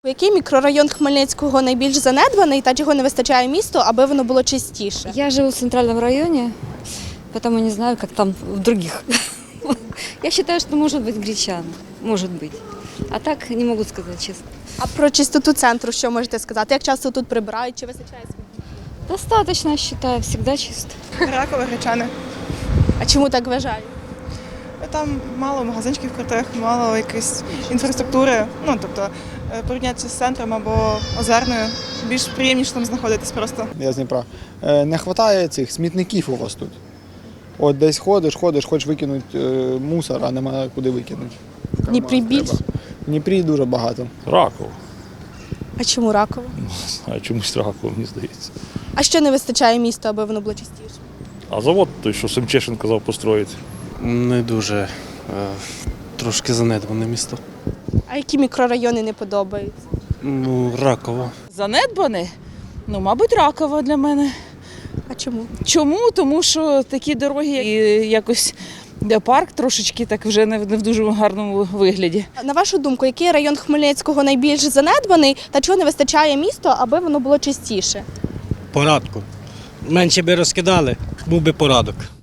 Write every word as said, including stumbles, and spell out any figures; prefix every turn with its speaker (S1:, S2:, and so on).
S1: Який мікрорайон Хмельницького найбільш занедбаний та чого не вистачає місту, аби воно було чистіше?
S2: Я живу в центральном районе, поэтому не знаю, как там в других. Я считаю, что может быть Гречан, может быть. А так не могу сказать честно.
S1: А про чистоту центру що можете сказати? Як часто тут прибирають, чи вистачає сміття?
S2: Достаточно, я считаю, всегда чисто.
S3: Ракове, Гречани.
S1: А чому так вважають?
S3: Там мало магазинчиків крутих, мало якоїсь інфраструктури. Ну, тобто, е, порівняти з центром або Озерною, більш приємніше там знаходитись просто.
S4: Я з Дніпра. Е, Не вистачає цих смітників у вас тут. От десь ходиш, ходиш, хочеш викинути е, мусор, а немає куди викинути.
S1: В Дніпрі більше?
S4: Треба. В Дніпрі дуже багато.
S5: Раков.
S1: А чому раково?
S5: А чомусь Раков, мені здається.
S1: А що не вистачає місту, аби воно було чистіше?
S5: А завод той, що Семчешин казав построїти.
S6: Не дуже. Е, Трошки занедбане місто.
S1: А які мікрорайони не подобаються?
S6: Ну, Раково.
S7: Занедбане? Ну, мабуть, Ракова для мене.
S1: А чому?
S7: Чому? Тому що такі дороги і якось де парк трошечки так вже не в не в дуже гарному вигляді.
S1: На вашу думку, який район Хмельницького найбільш занедбаний та чого не вистачає місту, аби воно було чистіше?
S8: Порядку. Менше би розкидали, був би порядок.